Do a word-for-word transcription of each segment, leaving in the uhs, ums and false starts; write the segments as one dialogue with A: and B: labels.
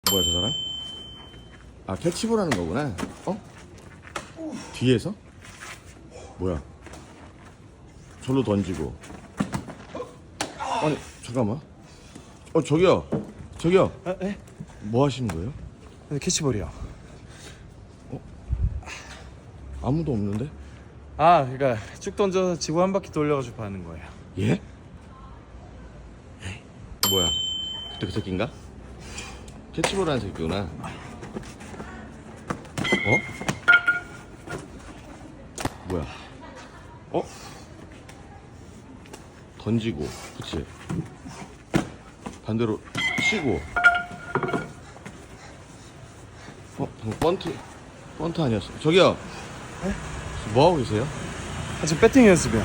A: 뭐야 저 사람? 아 캐치볼 하는 거구나. 어? 뒤에서? 뭐야? 절로 던지고. 아니 잠깐만. 어 저기요. 저기요.
B: 아, 네?
A: 뭐 하시는 거예요?
B: 네, 캐치볼이요.
A: 아무도 없는데?
B: 아, 그러니까 쭉 던져서 지구 한 바퀴 돌려가지고 파는 거예요.
A: 예? 뭐야? 그때 그 새끼인가? 캐치볼 하는 새끼구나. 어? 뭐야? 어? 던지고, 그치? 반대로 치고. 어? 방금 번트, 번트 아니었어? 저기요!
B: 네?
A: 뭐 하고 계세요?
B: 아, 지금 배팅 연습이요.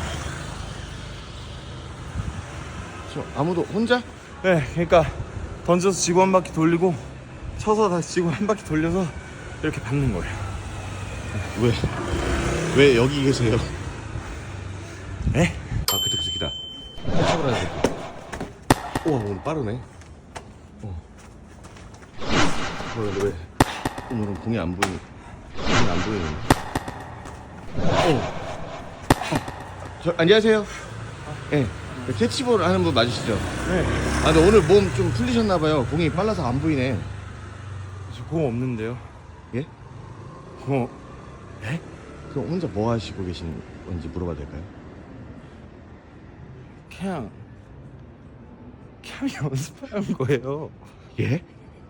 A: 저 아무도 혼자?
B: 네, 그러니까 던져서 지구 한 바퀴 돌리고 쳐서 다시 지구 한 바퀴 돌려서 이렇게 받는 거예요.
A: 왜? 왜 여기 계세요?
B: 네?
A: 아 그때 그 새끼다. 캐치볼 하는 새끼. 우와 오늘 빠르네. 어. 뭐야 왜 오늘은 공이 안 보이니? 공이 안 보이네. 어. 어. 저 안녕하세요. 예. 네. 캐치볼 하는 분 맞으시죠?
B: 네.
A: 아 근데 오늘 몸 좀 풀리셨나봐요. 공이 빨라서 안 보이네.
B: 저 공 없는데요.
A: 예?
B: 공.
A: 예? 그럼 혼자 뭐 하시고 계신 건지 물어봐도 될까요?
B: 그냥 그냥 연습하는 거예요.
A: 예? 예?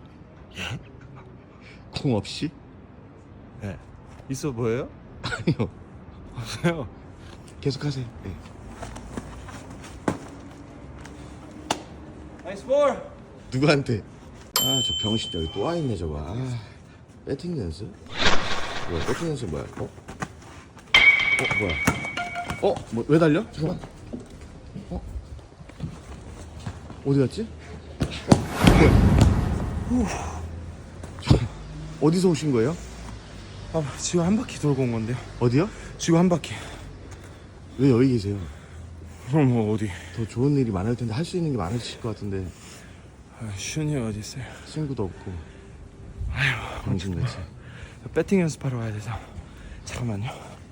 A: 공 없이?
B: 네. 있어 보여요?
A: 아니요.
B: 없어요.
A: 계속하세요. 예.
B: 나이스 볼.
A: 누구한테? 아 저 병신 여기 또 와있네 저거. 아 배팅 연습? 뭐야 배팅 연습 뭐야? 어? 어 뭐야? 어? 뭐 왜 달려? 잠깐만. 어? 어디 갔지? 어? 뭐야? 저, 어디서 오신 거예요?
B: 아, 지구 한 바퀴 돌고 온 건데요.
A: 어디요?
B: 지구 한 바퀴.
A: 왜 여기 계세요?
B: 그럼 뭐 어디?
A: 더 좋은 일이 많을 텐데 할 수 있는 게 많으실 것 같은데
B: 아, 쉬운 일 어디 있어요?
A: 친구도 없고
B: 아휴,
A: 병신같이.
B: 배팅 연습하러 가야 돼서. 잠깐만요.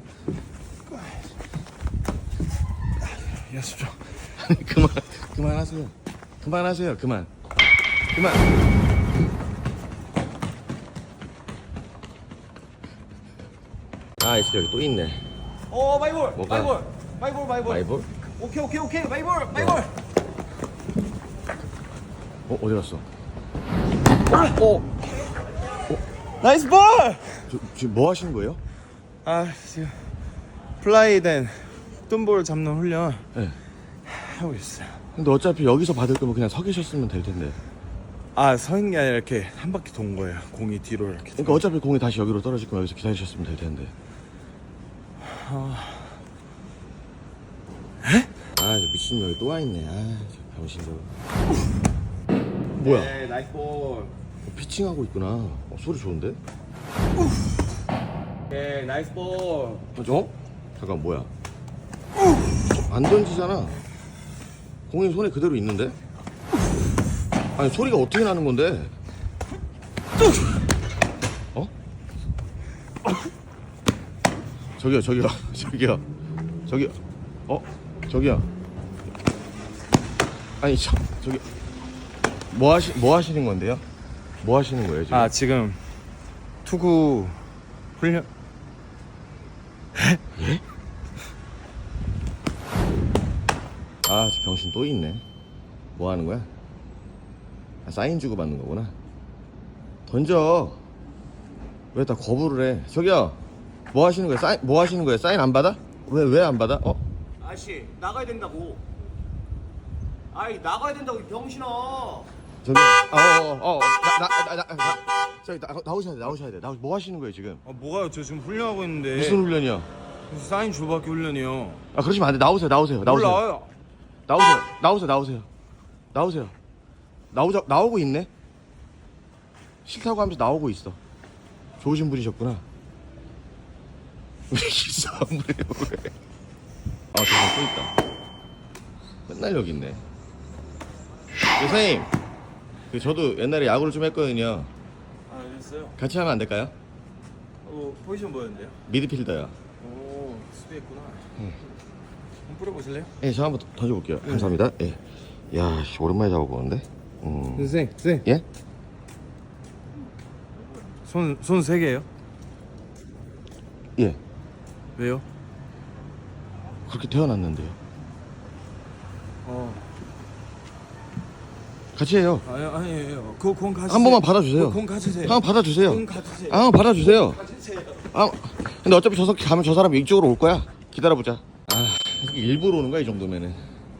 B: 연습 좀.
A: 그만 그만하세요. 그만하세요. 그만. 그만. 아 있어 여기 또 있네.
C: 어 마이볼
A: 뭐가?
C: 마이볼 마이볼 마이볼
A: 마이볼?
C: 오케이 오케이 오케이 마이볼 마이볼
A: 어 어디 갔어?
B: 어. 나이스 볼!
A: 저, 지금 뭐 하시는 거예요?
B: 아, 지금 플라이된 뜬볼 잡는 훈련
A: 네.
B: 하고 있어요.
A: 근데 어차피 여기서 받을 거면 그냥 서 계셨으면 될 텐데.
B: 아, 서 있는 게 아니라 이렇게 한 바퀴 돈 거예요. 공이 뒤로 이렇게.
A: 그러니까 어차피 공이 다시 여기로 떨어질 거면 여기서 기다리셨으면 될 텐데.
B: 아,
A: 아 이거 미친 여기 또 와 있네. 아 저 병신 저거. 뭐야?
C: 네 나이스 볼
A: 어, 피칭하고 있구나. 어, 소리 좋은데?
C: 오케이 나이스 볼
A: 어? 저? 잠깐 뭐야? 안 던지잖아. 공이 손에 그대로 있는데? 아니 소리가 어떻게 나는 건데? 어? 저기요 저기요 저기요 저기요 어? 저기요 아니 저, 저기 뭐 하시 뭐 하시는 건데요? 뭐 하시는 거예요 지금?
B: 아, 지금 투구 훈련.
A: 예? 아, 저 병신 또 있네. 뭐 하는 거야? 아, 사인 주고 받는 거구나. 던져. 왜 다 거부를 해? 저기요. 뭐 하시는 거야? 사인 뭐 하시는 거야? 사인 안 받아? 왜 왜 안 받아? 어?
C: 아저씨 나가야 된다고 아이 나가야 된다고 이 병신아
A: 저기 어어어나나나 저기 나, 나오셔야 돼. 나오셔야 돼. 나 뭐 하시는 거예요, 지금?
B: 아, 뭐가요? 저 지금 훈련하고 있는데.
A: 무슨 훈련이야?
B: 무슨 사인 주바퀴 훈련이요.
A: 아, 그러시면 안 돼. 나오세요. 나오세요. 나오세요.
B: 몰라요.
A: 나오세요. 나오세요. 나오세요. 나오세요. 나오자 나오고 있네. 싫다고 하면서 나오고 있어. 좋으신 분이셨구나. 왜 기사 안 그래요? 왜? 아, 저기 또 있다. 맨날 여기 있네. 선생님, 그 저도 옛날에 야구를 좀 했거든요.
B: 아 그랬어요?
A: 같이 하면 안 될까요?
B: 어 포지션 뭐였는데요?
A: 미드필더요.
B: 오 수비했구나. 한번 뿌려보실래요?
A: 예, 저 한번 던져볼게요. 감사합니다. 예. 야, 씨, 오랜만에 잡아보는데. 음.
B: 선생 선생
A: 예?
B: 손손 세 개예요?
A: 예.
B: 왜요?
A: 그렇게 태어났는데요.
B: 어
A: 같이 해요.
B: 아니 아니에요. 그공 가지세요.
A: 한 번만 받아주세요.
B: 공 가지세요.
A: 한 번 받아주세요.
B: 공 가지세요.
A: 아, 받아주세요.
B: 가지세요.
A: 아, 근데 어차피 저 새끼 가면 저 사람이 이쪽으로 올 거야. 기다려보자. 아, 일부러 오는 거야 이 정도면은.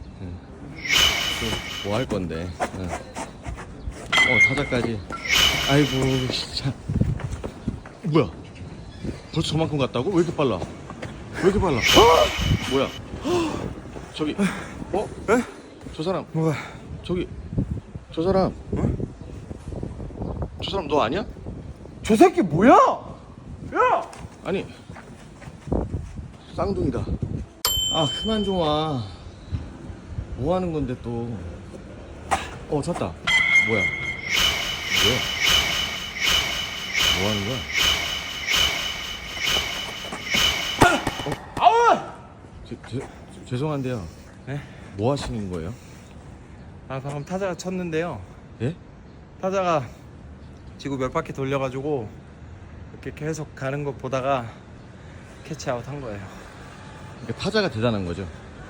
A: 뭐 할 건데. 응. 어, 타자까지. 아이고, 진짜. 뭐야? 벌써 저만큼 갔다고? 왜 이렇게 빨라? 왜 이렇게 빨라? 뭐야? 저기, 어?
B: 에?
A: 저 사람,
B: 뭐야?
A: 저기, 저 사람, 저 사람 너 아니야?
B: 저 새끼 뭐야? 야!
A: 아니, 쌍둥이다. 아, 그만 좀 와. 뭐 하는 건데 또? 어, 찾다. 뭐야? 뭐야? 뭐 하는 거야?
B: 아우!
A: 제, 제, 죄송한데요.
B: 네?
A: 뭐 하시는 거예요?
B: 아 방금 타자가 쳤는데요.
A: 예?
B: 타자가 지구 몇 바퀴 돌려가지고 이렇게 계속 가는 거 보다가 캐치아웃 한 거예요.
A: 그러니까 타자가 대단한 거죠.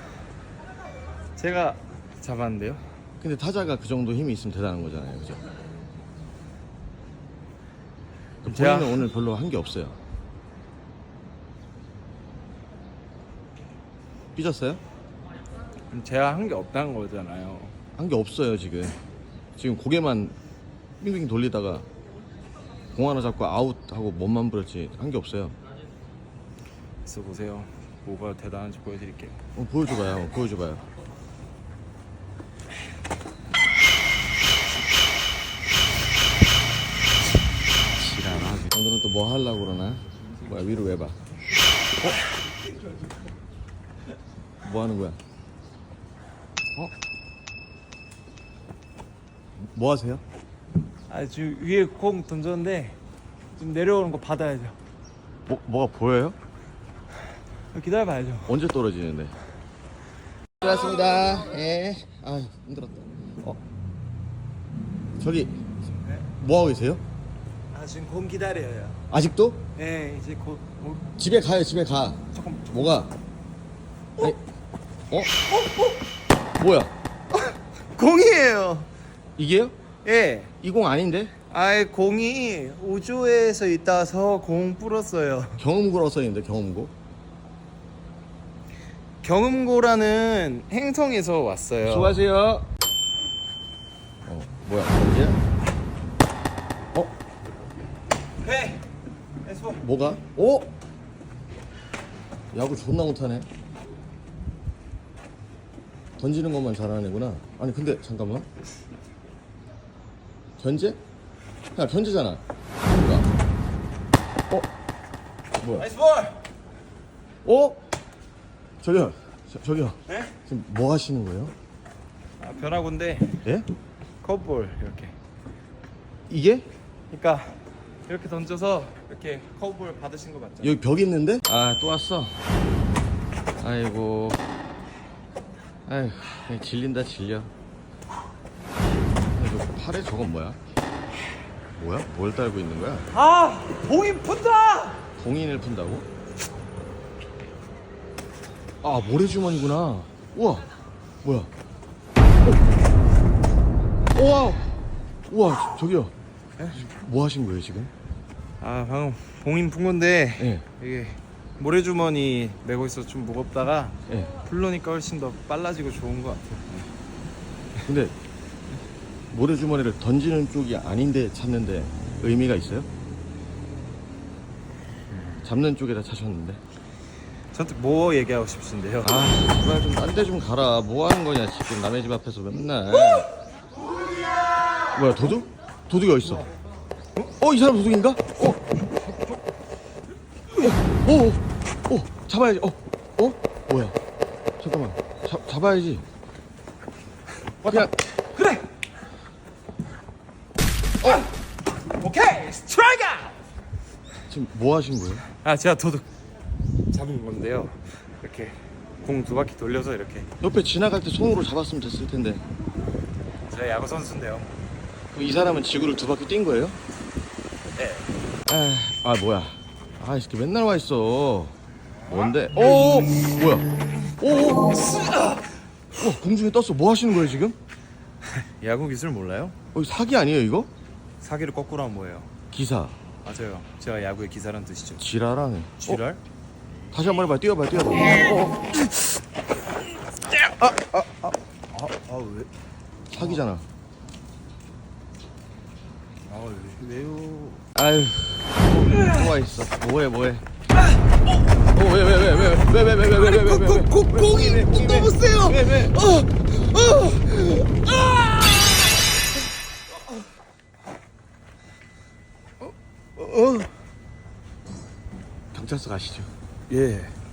B: 제가 잡았는데요.
A: 근데 타자가 그 정도 힘이 있으면 대단한 거잖아요, 그죠?
B: 제가-
A: 본인은 오늘 별로 한 게 없어요. 삐졌어요?
B: 제가 한 게 없다는 거잖아요.
A: 한 게 없어요 지금. 지금 고개만 빙빙 돌리다가 공 하나 잡고 아웃하고 몸만 부렸지 한 게 없어요.
B: 있어 보세요. 뭐가 대단한지 보여드릴게요.
A: 어, 보여줘봐요. 보여줘봐요. 지랄하게. 오늘은 또 뭐 하려고 그러나? 뭐야 위로 왜 봐? 어? 뭐 하는 거야? 어? 뭐 하세요?
B: 아 지금 위에 공 던졌는데 좀 내려오는 거 받아야죠.
A: 뭐, 뭐가 보여요?
B: 기다려봐야죠.
A: 언제 떨어지는데? 수고하셨습니다. 예. 아 힘들었다. 어? 저기 뭐 하고 계세요?
B: 아 지금 공 기다려요.
A: 아직도?
B: 네 이제 곧 뭐,
A: 집에 가요. 집에 가.
B: 조금
A: 뭐가? 아니, 어? 어? 뭐야?
B: 공이에요.
A: 이게요?
B: 예.
A: 이 공 아닌데?
B: 아이 공이 우주에서 있다서 공 불었어요.
A: 경음고라고 써있는데 경음고?
B: 경음고라는 행성에서 왔어요.
A: 수고하세요. 어 뭐야? 어디야? 어?
B: 네. 에스포.
A: 뭐가? 어? 야구 존나 못하네. 던지는 것만 잘하는 애구나. 아니 근데 잠깐만. 견제? 야 견제잖아. 뭐야? 어? 뭐야?
B: 나이스 볼.
A: 어? 저기요. 저, 저기요.
B: 네?
A: 지금 뭐 하시는 거예요?
B: 아, 변화구인데
A: 예?
B: 커브볼 이렇게.
A: 이게?
B: 그러니까 이렇게 던져서 이렇게 커브볼 받으신 거 맞죠?
A: 여기 벽 있는데? 아 또 왔어. 아이고. 아이고 그냥 질린다 질려. 아니, 저 팔에 저건 뭐야? 뭐야? 뭘 달고 있는 거야?
B: 아 공이 푼다.
A: 봉인을 푼다고? 아 모래주머니구나. 우와 뭐야? 어. 우와 우와 저기요. 뭐 하신 거예요 지금?
B: 아 방금 봉인 푼 건데
A: 예.
B: 이게 모래주머니 메고 있어서 좀 무겁다가
A: 예.
B: 풀로니까 훨씬 더 빨라지고 좋은 것 같아요.
A: 근데 모래주머니를 던지는 쪽이 아닌데 찾는데 의미가 있어요? 잡는 쪽에다 차셨는데.
B: 저한테 뭐 얘기하고 싶으신데요?
A: 아, 제발 좀 딴 데 좀 가라. 뭐 하는 거냐 지금 남의 집 앞에서 맨날. 뭐야 도둑? 도둑이 어디 있어? 어, 이 사람 도둑인가? 어, 어, 어, 어, 잡아야지. 어, 어, 뭐야? 잠깐만, 잡 잡아야지. 그냥
B: 그래.
A: 지금 뭐 하신 거예요?
B: 아 제가 도둑 잡은 건데요. 이렇게 공 두 바퀴 돌려서 이렇게.
A: 옆에 지나갈 때 손으로 잡았으면 됐을 텐데.
B: 제가 야구 선수인데요.
A: 그럼 이 사람은 지구를 두 바퀴 뛴 거예요?
B: 네.
A: 아, 아 뭐야? 아, 이 새끼 맨날 와 있어. 뭔데? 오, 뭐야? 오, 오, 어, 공중에 떴어. 뭐 하시는 거예요 지금?
B: 야구 기술 몰라요?
A: 어, 이거 사기 아니에요 이거?
B: 사기를 거꾸로 하면 뭐예요?
A: 기사.
B: 맞아요. 제가 야구의 기사란 뜻이죠.
A: 지랄하네.
B: 쥐랄?
A: 어, 다시 한 번 해봐. 뛰어봐, 뛰어봐. 어, 어.
B: 아 왜?
A: 사기잖아.
B: 아 왜, 왜요?
A: 아유, 또 와 있어. 뭐해, 뭐해? 어, 왜, 왜, 왜, 왜, 왜, 왜, 왜, 왜, 왜, 왜, 왜, 왜, 왜,
C: 공이 너무 세요.
A: 왜, 왜? 어, 어. 경찰서 가시죠.
B: 예.